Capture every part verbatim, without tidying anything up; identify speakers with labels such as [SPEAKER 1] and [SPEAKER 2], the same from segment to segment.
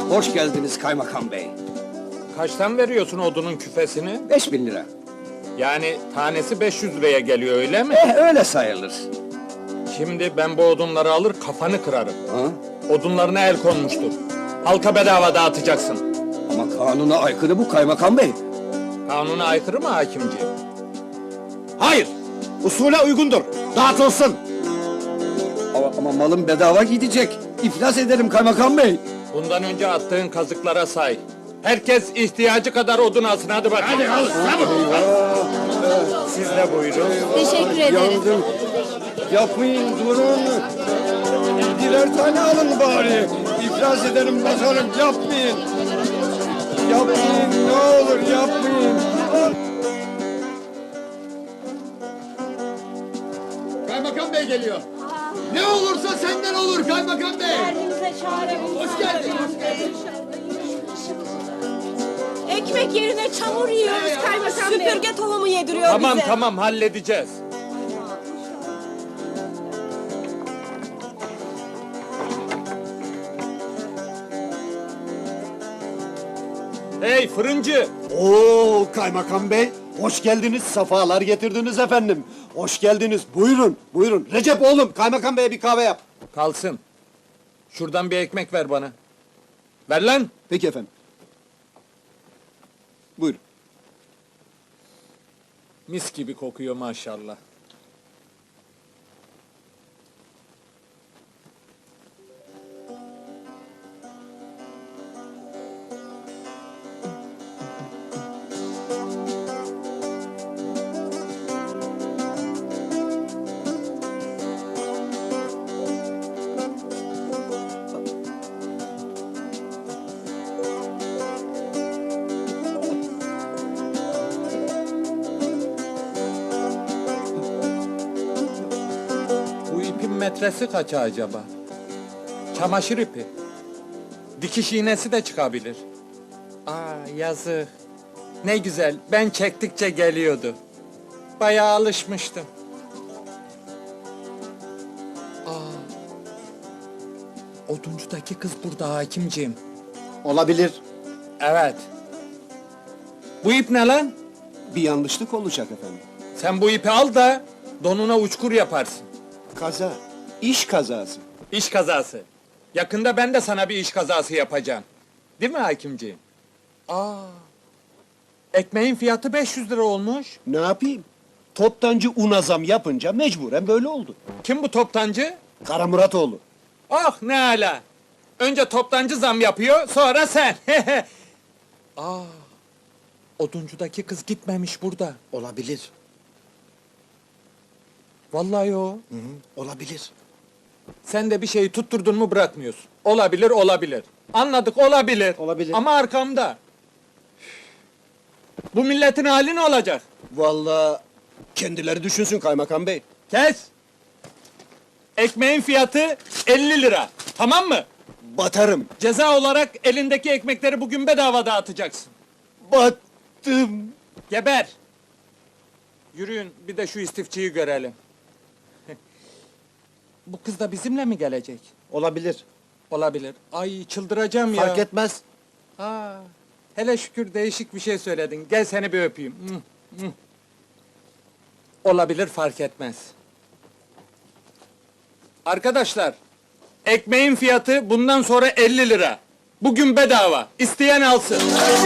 [SPEAKER 1] Hoş geldiniz kaymakam bey.
[SPEAKER 2] Kaçtan veriyorsun odunun küfesini?
[SPEAKER 1] Beş bin lira.
[SPEAKER 2] Yani tanesi beş yüz liraya geliyor öyle mi?
[SPEAKER 1] Eh öyle sayılır.
[SPEAKER 2] Şimdi ben bu odunları alır kafanı kırarım.
[SPEAKER 1] Ha?
[SPEAKER 2] Odunlarına el konmuştur. Halka bedava dağıtacaksın.
[SPEAKER 1] Ama kanuna aykırı bu kaymakam bey.
[SPEAKER 2] Kanuna aykırı mı hakimciğim?
[SPEAKER 3] Hayır! Usule uygundur. Dağıtılsın.
[SPEAKER 1] Ama, ama malım bedava gidecek. İflas ederim kaymakam bey.
[SPEAKER 2] Bundan önce attığın kazıklara say. Herkes ihtiyacı kadar odun alsın, hadi bakayım.
[SPEAKER 3] Hadi al, çabuk!
[SPEAKER 2] Siz de buyurun.
[SPEAKER 4] Teşekkür ederiz.
[SPEAKER 1] Yandım. Yapmayın, durun. Birer tane alın bari. İflas ederim bakarım, yapmayın. Yapmayın, ne olur yapmayın.
[SPEAKER 5] Kaymakam bey geliyor. Ne olursa senden olur kaymakam bey.
[SPEAKER 4] Derdimize çare bul.
[SPEAKER 5] Hoş geldin, hoş geldin.
[SPEAKER 4] Ekmek yerine çamur yiyoruz kaymakam bey. Süpürge tohumu yediriyor
[SPEAKER 2] Tamam
[SPEAKER 4] bize.
[SPEAKER 2] tamam halledeceğiz. Hey fırıncı!
[SPEAKER 3] Oo kaymakam bey, hoş geldiniz, safalar getirdiniz efendim. Hoş geldiniz, buyurun, buyurun. Recep oğlum, kaymakam beye bir kahve yap.
[SPEAKER 2] Kalsın. Şuradan bir ekmek ver bana. Ver lan!
[SPEAKER 3] Peki efendim. Buyurun.
[SPEAKER 2] Mis gibi kokuyor maşallah. Bu ipin metresi kaça acaba? Çamaşır ipi. Dikiş iğnesi de çıkabilir. Aa yazık. Ne güzel, ben çektikçe geliyordu. Bayağı alışmıştım. Aa. Oduncudaki kız burada hakimciğim.
[SPEAKER 3] Olabilir.
[SPEAKER 2] Evet. Bu ip ne lan?
[SPEAKER 3] Bir yanlışlık olacak efendim.
[SPEAKER 2] Sen bu ipi al da donuna uçkur yaparsın.
[SPEAKER 3] Kaza, iş kazası.
[SPEAKER 2] İş kazası. Yakında ben de sana bir iş kazası yapacağım. Değil mi hakimciğim? Aa. Ekmeğin fiyatı beş yüz lira olmuş.
[SPEAKER 3] Ne yapayım? Toptancı una zam yapınca mecburen böyle oldu.
[SPEAKER 2] Kim bu toptancı?
[SPEAKER 3] Kara Muratoğlu.
[SPEAKER 2] Ah ne ala. Önce toptancı zam yapıyor, sonra sen. Aa. Oduncudaki kız gitmemiş burada.
[SPEAKER 3] Olabilir.
[SPEAKER 2] Vallahi o.
[SPEAKER 3] Hı hı, olabilir.
[SPEAKER 2] Sen de bir şeyi tutturdun mu bırakmıyorsun. Olabilir, olabilir. Anladık, olabilir.
[SPEAKER 3] Olabilir.
[SPEAKER 2] Ama arkamda. Bu milletin hali ne olacak?
[SPEAKER 3] Vallahi kendileri düşünsün kaymakam bey.
[SPEAKER 2] Kes! Ekmeğin fiyatı elli lira. Tamam mı?
[SPEAKER 3] Batarım.
[SPEAKER 2] Ceza olarak elindeki ekmekleri bugün bedava dağıtacaksın.
[SPEAKER 3] Battım.
[SPEAKER 2] Geber! Yürüyün, bir de şu istifçiyi görelim. Bu kız da bizimle mi gelecek?
[SPEAKER 3] Olabilir.
[SPEAKER 2] Olabilir. Ay çıldıracağım ya.
[SPEAKER 3] Fark etmez.
[SPEAKER 2] Aa, hele şükür değişik bir şey söyledin. Gel seni bir öpeyim. Hı, hı. Olabilir, fark etmez. Arkadaşlar, ekmeğin fiyatı bundan sonra elli lira. Bugün bedava. İsteyen alsın.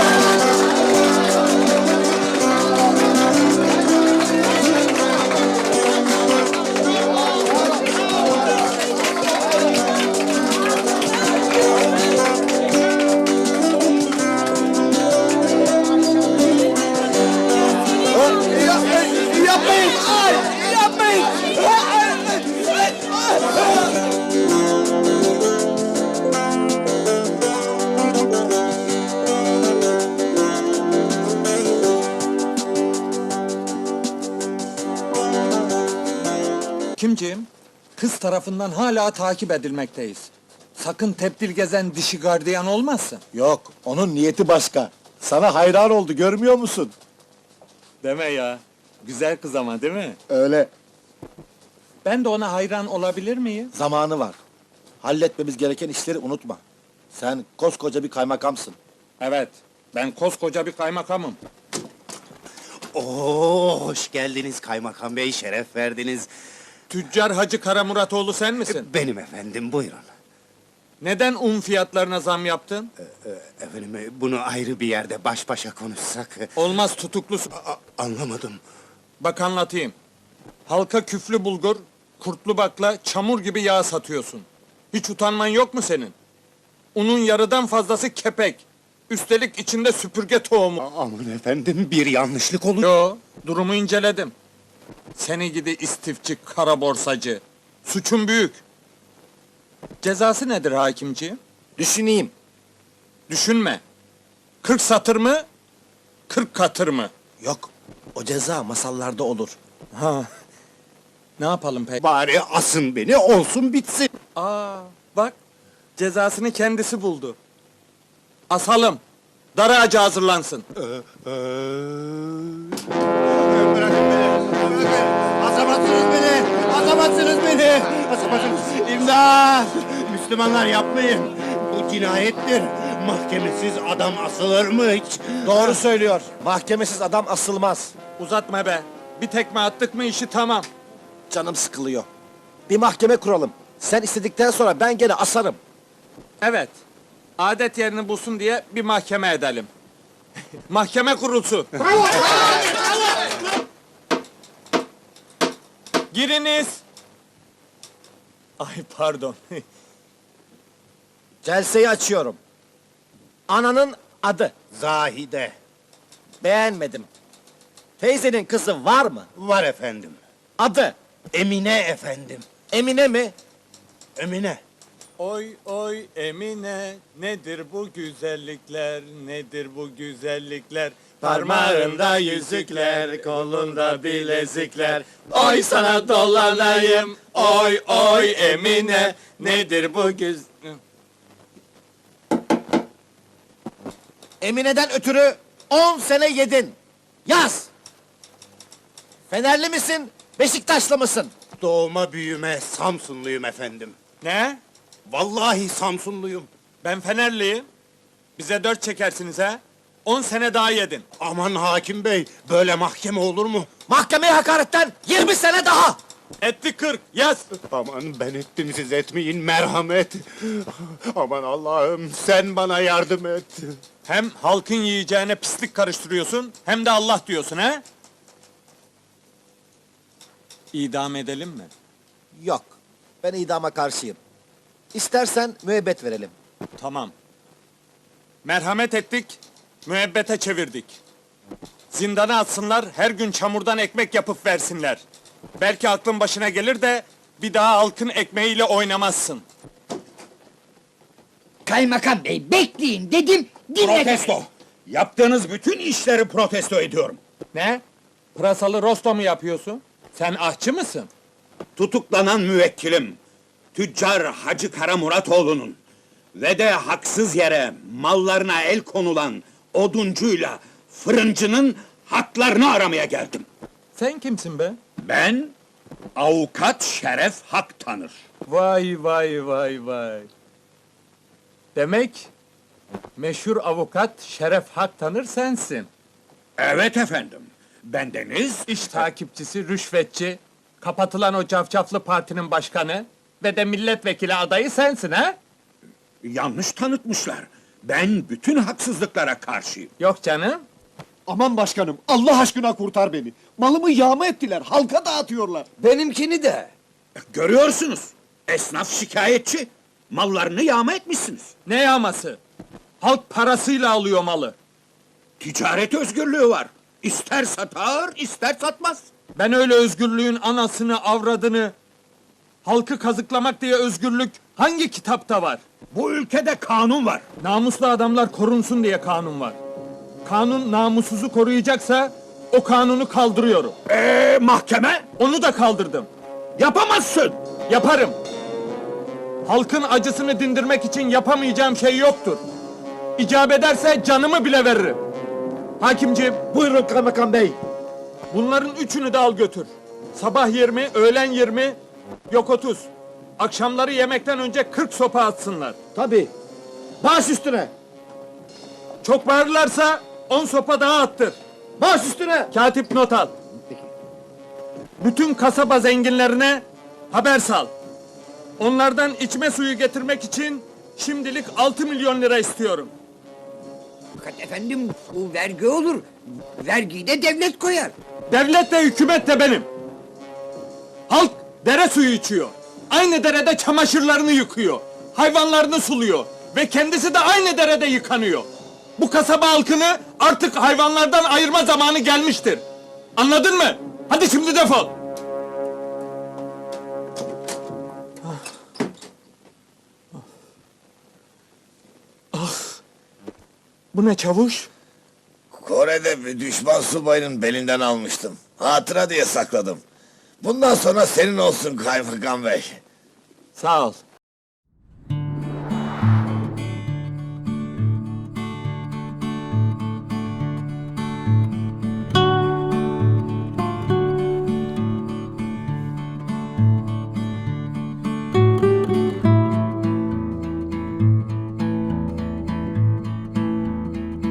[SPEAKER 3] Yapmayın! Ay! Yapmayın!
[SPEAKER 2] Kimciğim? Kız tarafından hala takip edilmekteyiz. Sakın tepdil gezen dişi gardiyan olmasın.
[SPEAKER 6] Yok, onun niyeti başka. Sana hayran oldu, görmüyor musun?
[SPEAKER 2] Deme ya. Güzel kız ama değil mi?
[SPEAKER 6] Öyle,
[SPEAKER 2] Ben de ona hayran olabilir miyim?
[SPEAKER 6] zamanı var. Halletmemiz gereken işleri unutma. Sen koskoca bir kaymakamsın.
[SPEAKER 2] Evet, ben koskoca bir kaymakamım.
[SPEAKER 7] Oo, hoş geldiniz kaymakam bey, şeref verdiniz.
[SPEAKER 2] Tüccar Hacı Karamuratoğlu sen misin?
[SPEAKER 7] Benim efendim, buyurun.
[SPEAKER 2] Neden un fiyatlarına zam yaptın?
[SPEAKER 7] Efendim, e, bunu ayrı bir yerde baş başa konuşsak... e,
[SPEAKER 2] Olmaz tutuklusun.
[SPEAKER 7] a- anlamadım.
[SPEAKER 2] Bak anlatayım. Halka küflü bulgur, kurtlu bakla, çamur gibi yağ satıyorsun. Hiç utanman yok mu senin? Unun yarıdan fazlası kepek. Üstelik içinde süpürge tohumu.
[SPEAKER 7] A- aman efendim, bir yanlışlık olur.
[SPEAKER 2] Yo, durumu inceledim. Seni gidi istifçi, kara borsacı. Suçun büyük. Cezası nedir hakimciğim?
[SPEAKER 6] Düşüneyim.
[SPEAKER 2] Düşünme. Kırk satır mı? Kırk katır mı?
[SPEAKER 6] Yok, o ceza masallarda olur.
[SPEAKER 2] Ha. Ne yapalım peki?
[SPEAKER 7] Bari asın beni, olsun bitsin.
[SPEAKER 2] Aa, bak. Cezasını kendisi buldu. Asalım. Dar ağacı hazırlansın.
[SPEAKER 7] Bırakın beni, bırakın. Asamazsınız beni, asamazsınız beni. Asamazsınız. İmdat! Müslümanlar yapmayın. Bu cinayettir. Mahkemesiz adam asılır mı hiç?
[SPEAKER 6] Doğru söylüyor. Mahkemesiz adam asılmaz.
[SPEAKER 2] Uzatma be. Bir tekme attık mı işi tamam.
[SPEAKER 6] Canım sıkılıyor. Bir mahkeme kuralım. Sen istedikten sonra ben gene asarım.
[SPEAKER 2] Evet. Adet yerini bulsun diye bir mahkeme edelim. Mahkeme kurulsu. Giriniz. Ay pardon.
[SPEAKER 6] Celseyi açıyorum. Ananın adı.
[SPEAKER 7] Zahide.
[SPEAKER 6] Beğenmedim. Teyzenin kızı var mı?
[SPEAKER 7] Var efendim.
[SPEAKER 6] Adı.
[SPEAKER 7] Emine efendim.
[SPEAKER 6] Emine mi?
[SPEAKER 7] Emine.
[SPEAKER 2] Oy oy Emine, nedir bu güzellikler, nedir bu güzellikler? Parmağında yüzükler, kolunda bilezikler. Oy sana dolanayım, oy oy Emine, nedir bu güz...
[SPEAKER 6] Emine'den ötürü on sene yedin. Yaz! Fenerli misin, Beşiktaşlı mısın?
[SPEAKER 7] Doğma büyüme Samsunluyum efendim.
[SPEAKER 2] Ne?
[SPEAKER 7] Vallahi Samsunluyum.
[SPEAKER 2] Ben Fenerliyim. Bize dört çekersiniz ha? On sene daha yedin.
[SPEAKER 7] Aman hakim bey, böyle mahkeme olur mu?
[SPEAKER 6] Mahkemeye hakaretten yirmi sene daha!
[SPEAKER 2] Etti kırk, yaz!
[SPEAKER 7] Aman ben ettim, siz etmeyin, merhamet. Aman Allah'ım, sen bana yardım et.
[SPEAKER 2] Hem halkın yiyeceğine pislik karıştırıyorsun, hem de Allah diyorsun ha? İdam edelim mi?
[SPEAKER 6] Yok, ben idama karşıyım. İstersen müebbet verelim.
[SPEAKER 2] Tamam. Merhamet ettik, müebbete çevirdik. Zindana atsınlar, her gün çamurdan ekmek yapıp versinler. Belki aklın başına gelir de bir daha halkın ekmeğiyle oynamazsın.
[SPEAKER 8] Kaymakam bey bekleyin dedim dinle.
[SPEAKER 1] Protesto. Yaptığınız bütün işleri protesto ediyorum.
[SPEAKER 2] Ne? Pırasalı rosto mu yapıyorsun? Sen ahçı mısın?
[SPEAKER 1] Tutuklanan müvekkilim, tüccar Hacı Karamuratoğlu'nun ve de haksız yere mallarına el konulan oduncuyla fırıncının haklarını aramaya geldim.
[SPEAKER 2] Sen kimsin be?
[SPEAKER 1] Ben avukat Şeref Hak tanır.
[SPEAKER 2] Vay vay vay vay. Demek meşhur avukat Şeref Hak tanır sensin.
[SPEAKER 1] Evet efendim. Bendeniz
[SPEAKER 2] İş takipçisi, rüşvetçi, kapatılan o cafcaflı partinin başkanı ve de milletvekili adayı sensin ha?
[SPEAKER 1] yanlış tanıtmışlar. Ben bütün haksızlıklara karşıyım.
[SPEAKER 2] Yok canım.
[SPEAKER 3] Aman başkanım, Allah aşkına kurtar beni. Malımı yağma ettiler, halka dağıtıyorlar.
[SPEAKER 1] Benimkini de. Görüyorsunuz. Esnaf şikayetçi. Mallarını yağma etmişsiniz.
[SPEAKER 2] Ne yağması? Halk parasıyla alıyor malı.
[SPEAKER 1] Ticaret özgürlüğü var. İster satar, ister satmaz.
[SPEAKER 2] Ben öyle özgürlüğün anasını, avradını, halkı kazıklamak diye özgürlük hangi kitapta var?
[SPEAKER 1] Bu ülkede kanun var.
[SPEAKER 2] Namuslu adamlar korunsun diye kanun var. Kanun namussuzu koruyacaksa o kanunu kaldırıyorum.
[SPEAKER 1] Ee, mahkeme?
[SPEAKER 2] Onu da kaldırdım.
[SPEAKER 1] Yapamazsın.
[SPEAKER 2] Yaparım. Halkın acısını dindirmek için yapamayacağım şey yoktur. İcap ederse canımı bile veririm. Hakimciğim,
[SPEAKER 6] Buyurun kaymakam bey.
[SPEAKER 2] bunların üçünü de al götür. Sabah yirmi, öğlen yirmi, yok otuz. Akşamları yemekten önce kırk sopa atsınlar.
[SPEAKER 6] Tabii.
[SPEAKER 3] Baş üstüne.
[SPEAKER 2] Çok bağırırlarsa on sopa daha attır.
[SPEAKER 3] Baş üstüne.
[SPEAKER 2] Katip not al. Bütün kasaba zenginlerine haber sal. Onlardan içme suyu getirmek için şimdilik altı milyon lira istiyorum.
[SPEAKER 8] Fakat efendim bu vergi olur. Vergiyi de devlet koyar.
[SPEAKER 2] Devlet de hükümet de benim. Halk dere suyu içiyor. Aynı derede çamaşırlarını yıkıyor. Hayvanlarını suluyor. Ve kendisi de aynı derede yıkanıyor. Bu kasaba halkını artık hayvanlardan ayırma zamanı gelmiştir. Anladın mı? Hadi şimdi defol. Ah. Bu ne çavuş?
[SPEAKER 9] Kore'de bir düşman subayının belinden almıştım. Hatıra diye sakladım. Bundan sonra senin olsun kaymakam bey.
[SPEAKER 2] Sağ ol.